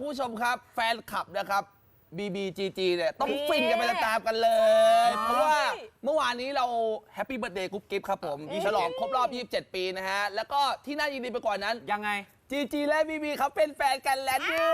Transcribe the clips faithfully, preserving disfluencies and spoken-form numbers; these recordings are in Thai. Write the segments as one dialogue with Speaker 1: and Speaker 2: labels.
Speaker 1: คุณผู้ชมครับแฟนคลับนะครับ บี บี จี จี เนี่ยต้องฟินกันไปตามๆกันเลย เพราะว่าเมื่อวานนี้เราแฮปปี้เบิร์ธเดย์กุ๊บกิ๊บครับผมฉลองครบรอบยี่สิบเจ็ดปีนะฮะแล้วก็ที่น่ายินดีไปกว่านั้น
Speaker 2: ยังไง
Speaker 1: จี จี และ บี บี เขาเป็นแฟนกันแล้วเนี่ย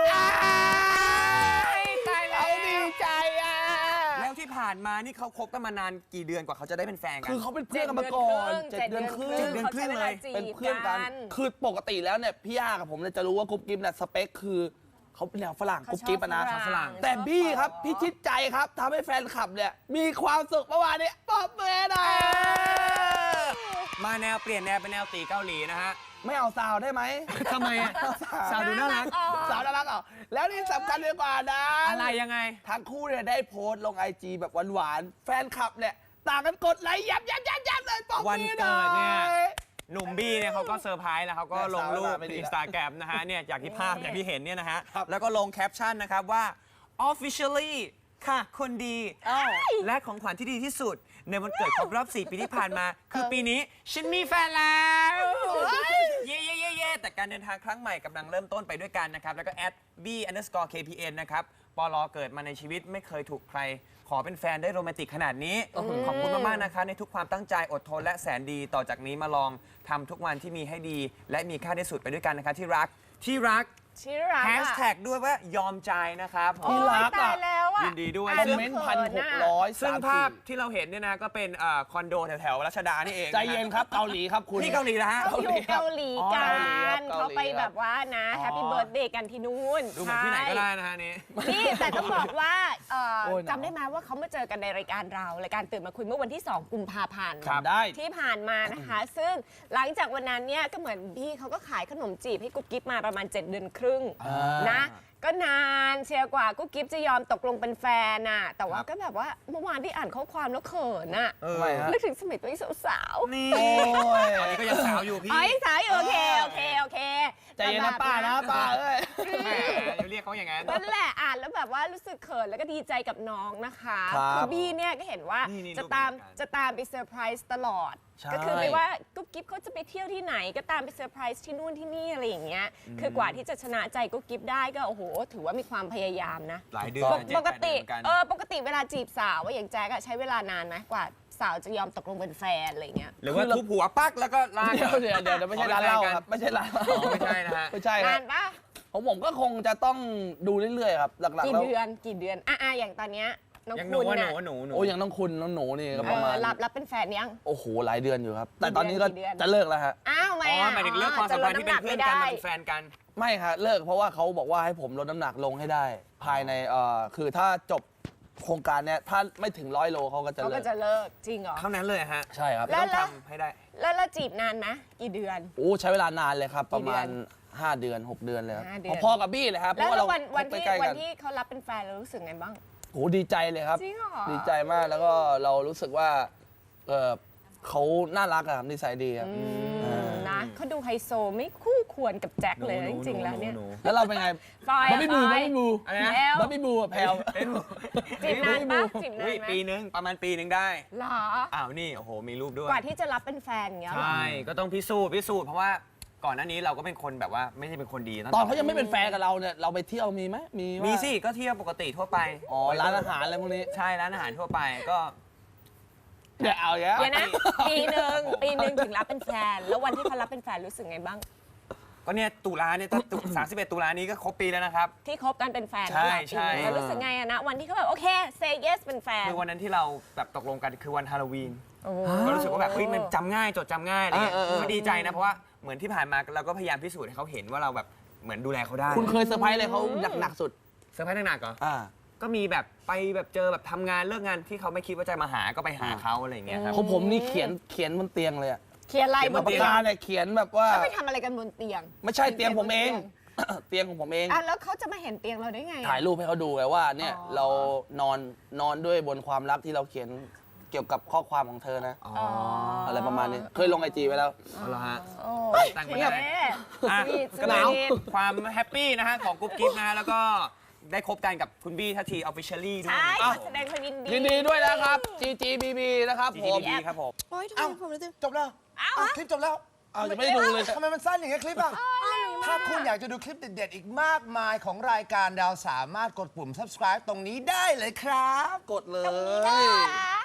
Speaker 1: ตายแล้วดีใจอ่ะ
Speaker 2: แล้วที่ผ่านมานี่เขาคบกันมานานกี่เดือนกว่าเขาจะได้เป็นแฟนกัน
Speaker 1: คือเขาเป็นเพื่อนกันมาก่อนเจ็ดเดือนครึ่ง
Speaker 2: เจ็ดเดือนครึ่งเลย
Speaker 1: เป็นเพื่อนกันคือปกติแล้วเนี่ยพี่ย่ากับผมเนี่ยจะรู้ว่ากุ๊บกิ๊บเนี่ยสเปคคือเขาเป็นแนวฝรั่งกุ๊บกิ๊บนะฝรั่งแต่บี้ครับพี่ชิดใจครับทำให้แฟนคลับเนี่ยมีความสุขเมื่อวานนี้ปอบมือหน่อย
Speaker 2: มาแนวเปลี่ยนแนวเป็นแนวตีเกาหลีนะฮะ
Speaker 1: ไม่เอาสาวได้ไหม
Speaker 2: ทำไมอ่ะสาวดูน่ารัก
Speaker 1: สาวน่ารักอ่ะแล้วนี่สำคัญเลยกว่านะ
Speaker 2: อะไรยังไง
Speaker 1: ทั้งคู่เนี่ยได้โพสต์ลงไอจีแบบหวานๆแฟนคลับเนี่ยต่างกันกดไลค์ยับยับยับยับเลยปอบมือหน่อย
Speaker 2: วันเกิดเนี่ยหนุ่มบี้เนี่ยเขาก็เซอร์ไพรส์แล้วเขาก็ลงรูปในอินสตาแกรมนะฮะเนี่ยจากที่ภาพอย่างที่เห็นเนี่ยนะฮะแล้วก็ลงแคปชั่นนะครับว่า officially ค่ะคนดีและของขวัญที่ดีที่สุดในวันเกิดครบรอบสี่ปีที่ผ่านมาคือปีนี้ฉันมีแฟนแล้วเย่เย่เย่เย่แต่การเดินทางครั้งใหม่กำลังเริ่มต้นไปด้วยกันนะครับแล้วก็ at b underscore kpn นะครับปลเกิดมาในชีวิตไม่เคยถูกใครขอเป็นแฟนได้โรแมนติกขนาดนี้ขอบคุณมากๆนะคะในทุกความตั้งใจอดทนและแสนดีต่อจากนี้มาลองทำทุกวันที่มีให้ดีและมีค่าที่สุดไปด้วยกันนะคะที่รักที่รัก
Speaker 3: ที่รัก
Speaker 2: แฮชแท็กด้วยว่ายอมใจนะครับ
Speaker 1: ที่รักอ่ะ
Speaker 2: ยินดีด้วย
Speaker 1: คอมเมนต์พันหกร้อย
Speaker 2: ซึ่งภาพที่เราเห็นเนี่ยนะก็เป็นคอนโดแถวๆรัชดานี่เอง
Speaker 1: ใจเย็นครับเกาหลีครับคุณ
Speaker 2: ที่เกาหลีนะฮะ
Speaker 3: เขาอยู่เกาหลีกันเขาไปแบบว่านะแฮปปี้เบิร์ธเดย์กันที่นู่น
Speaker 2: ดูเหมือนที่ไหนก็ได้นะฮะนี่
Speaker 3: นี่แต่ต้องบอกว่าจำได้ไหมว่าเขามาเจอกันในรายการเรารายการตื่นมาคุยเมื่อวันที่สองกุมภาพันธ์ที่ผ่านมานะคะซึ่งหลังจากวันนั้นเนี่ยก็เหมือนพี่เขาก็ขายขนมจีบให้กุ๊บกิ๊บมาประมาณเจ็ดเดือนครึ่งนะก็นานเชียร์กว่ากุ๊บกิ๊บจะยอมตกลงเป็นแฟนน่ะแต่ว่าก็แบบว่าเมื่อวานที่อ่านข้อความแล้วเขินน่ะนึกถึงสมัยตัวเองสาว
Speaker 2: ๆนี่ตอนนี้ก็ยังสาวอยู่พี่
Speaker 3: อ๋อยังสาวอยู่โอเคโอเคโอเค
Speaker 1: ใจเย็นนะป้านะป้าเอ้ย
Speaker 2: เรียกเขาอย่างนั้น
Speaker 3: นั่นแหละอ่านแล้วแบบว่ารู้สึกเขินแล้วก็ดีใจกับน้องนะคะคือบี้เนี่ยก็เห็นว่าจะตามจะตามไปเซอร์ไพรส์ตลอดก็คือไม่ว่ากุ๊บกิ๊บเขาจะไปเที่ยวที่ไหนก็ตามไปเซอร์ไพรส์ที่นู่นที่นี่อะไรอย่างเงี้ยคือกว่าที่จะชนะใจกุ๊บกิ๊บได้ก็โอ้โหถือว่ามีความพยายามนะ
Speaker 2: หลายเดือน
Speaker 3: ปกติเออปกติเวลาจีบสาวว่าอย่างแจ๊กใช้เวลานานไหมกว่าสาวจะยอมตกลงเป็นแฟนอะไรเงี้ย
Speaker 2: หรือว่าทุบหัวปักแล้วก็ลาก
Speaker 1: เดี๋ยวเดี๋ยวเดี๋ยวไม่ใช่ร้านเหล้าครับไม่ใช่ร้านเหล้า
Speaker 2: ไม่ใช่นะฮะ
Speaker 1: ไม่ใช่ครับ
Speaker 3: นานปะ
Speaker 1: ของผมก็คงจะต้องดูเรื่อยๆครับหลักๆแล้ว
Speaker 3: กี่เดือนกี่เดือนอ่ะอย่างตอนเนี้ยน้อง
Speaker 2: คุณ
Speaker 3: น่ะ
Speaker 2: หนูหนู
Speaker 1: โอ้ยังน้องคุณน้องหนูนี่ก็ประมาณ
Speaker 3: รับรับเป็นแฟนยัง
Speaker 1: โอ้โหหลายเดือนอยู่ครับแต่ตอนนี้ก็จะเลิกแล้วฮะ
Speaker 3: อ้าวไม่
Speaker 2: อ๋อหมายถึงเลิกความสัมพันธ์ที่เป็นเพื่อนกันเป็นแฟนกัน
Speaker 1: ไม่ครับเลิกเพราะว่าเขาบอกว่าให้ผมลดน้ำหนักลงให้ได้ภายในเอ่อคือถ้าจบโครงการเนี้ยถ้าไม่ถึงร้อยโลเขาก็จะเลิก
Speaker 3: เขาก็จะเลิกจริงเหรอ
Speaker 2: เท่านั้นเลยฮะ
Speaker 1: ใช่ครับ
Speaker 2: ต้องทำให้ได้
Speaker 3: แล้วเราจีบนานไหมกี่เดือน
Speaker 1: โอ้ใช้เวลานานเลยครับประมาณห้าเดือนหกเดือนเลยครับพอๆกับบี้เลยครับเพราะว่าเรา
Speaker 3: วันที่วันที่เขารับเป็นแฟนเรารู้สึกไงบ้าง
Speaker 1: โอ้ดีใจเลยครับ
Speaker 3: จริงเหรอ
Speaker 1: ดีใจมากแล้วก็เรารู้สึกว่าเออเขาน่ารักอะครับนิสัยดีครับ
Speaker 3: นะเขาดูไฮโซไม่คู่ควรกับแจ็คเลยจริงๆแล้วเนี่ย
Speaker 1: แล้วเราเป็นไง
Speaker 3: บ๊อบ
Speaker 1: บี้บูบ๊อบบี้บูบ๊อบบี้บูแพลว
Speaker 3: จีบนานปะจีบนานไหม
Speaker 2: ปีนึงประมาณปีนึงได้
Speaker 3: หรอ
Speaker 2: อ้าวนี่โอ้โหมีรูปด้วย
Speaker 3: กว่าที่จะรับเป็นแฟนเงี้ย
Speaker 2: ใช่ก็ต้องพิสูจน์พิสูจน์เพราะว่าก่อนหน้านี้เราก็เป็นคนแบบว่าไม่ใช่เป็นคนดี
Speaker 1: ตอนเขายังไม่เป็นแฟนกับเราเนี่ยเราไปเที่ยวมีไหมมี
Speaker 2: มีสิก็เที่ยวปกติทั่วไป
Speaker 1: อ๋อร้านอาหารอะไรพวกนี้
Speaker 2: ใช่ร้านอาหารทั่วไปก็
Speaker 1: เดี๋ยวเอาเ
Speaker 3: ดี๋ยวนะปีหนึ่งปีหนึ่งถึงรับเป็นแฟนแล้ววันที่เขารับเป็นแฟนรู้สึกไงบ้าง
Speaker 2: ก็เนี่ยตุลาเนี่ยสามสิบเอ็ดตุลานี้ก็ครบปีแล้วนะครับ
Speaker 3: ที่คบกันเป็นแฟน
Speaker 2: ใช่ใช่
Speaker 3: แล้วรู้สึกไงอะนะวันที่เขาแบบโอเค say yes เป็นแฟน
Speaker 2: คือวันนั้นที่เราแบบตกลงกันคือวันฮาโลวีนก็รู้สึกว่าแบบเฮ้ยมันจำง่ายจดจำง่ายอะไรเงี้ยก็ดีใจนะเพราะว่าเหมือนที่ผ่านมาเราก็พยายามพิสูจน์ให้เขาเห็นว่าเราแบบเหมือนดูแลเขาได้
Speaker 1: คุณเคยเซอร์ไพรส์อะไรเขาหนักๆสุด
Speaker 2: เซอร์ไพรส์หนักๆเหรอก็มีแบบไปแบบเจอแบบทำงานเลิกงานที่เขาไม่คิดว่าจะมาหาก็ไปหาเขาอะไรอย่างเงี้ยครับ
Speaker 1: ของผมนี่เขียนเขียนบนเตียงเลยอะ
Speaker 3: เขียนอะไร
Speaker 1: บนเตียงเนี่ยเขียนแบบว่า
Speaker 3: ไปทำอะไรกันบนเตียง
Speaker 1: ไม่ใช่เตียงผมเองเตียงของผมเอง
Speaker 3: อ่ะแล้วเขาจะมาเห็นเตียงเราได้ไง
Speaker 1: ถ่ายรูปให้เขาดูไงว่าเนี่ยเรานอนนอนด้วยบนความรักที่เราเขียนเกี่ยวกับข้อความของเธอนะอะไรประมาณนี้เคยลงไอจีไว้แล้ว
Speaker 2: เหรอฮะ
Speaker 3: ตั้งไม่ได้
Speaker 2: ก็หนาวความแฮปปี้นะฮะของกุ๊บกิ๊บนะแล้วก็ได้คบกันกับคุณบี้ทัทีออฟฟิเชียลี่ด้วย
Speaker 3: ใช่ขอแสดงความยินดี
Speaker 1: ยินดีด้วยนะครับ จี จี บี บี นะครับผม
Speaker 2: ครับผม
Speaker 4: โอ้ยทำไมผมรู้สึกจบแล้วคลิปจบแล้ว
Speaker 1: อ้าวยังไม่ได้ดูเลย
Speaker 4: ทำไมมันสั้นอย่างเงี้ยคลิปอ่ะถ้าคุณอยากจะดูคลิปเด็ดๆอีกมากมายของรายการเราสามารถกดปุ่ม subscribe ตรงนี้ได้เลยครับ
Speaker 1: กดเล
Speaker 3: ตรงนี้นะ
Speaker 1: ย
Speaker 3: คะ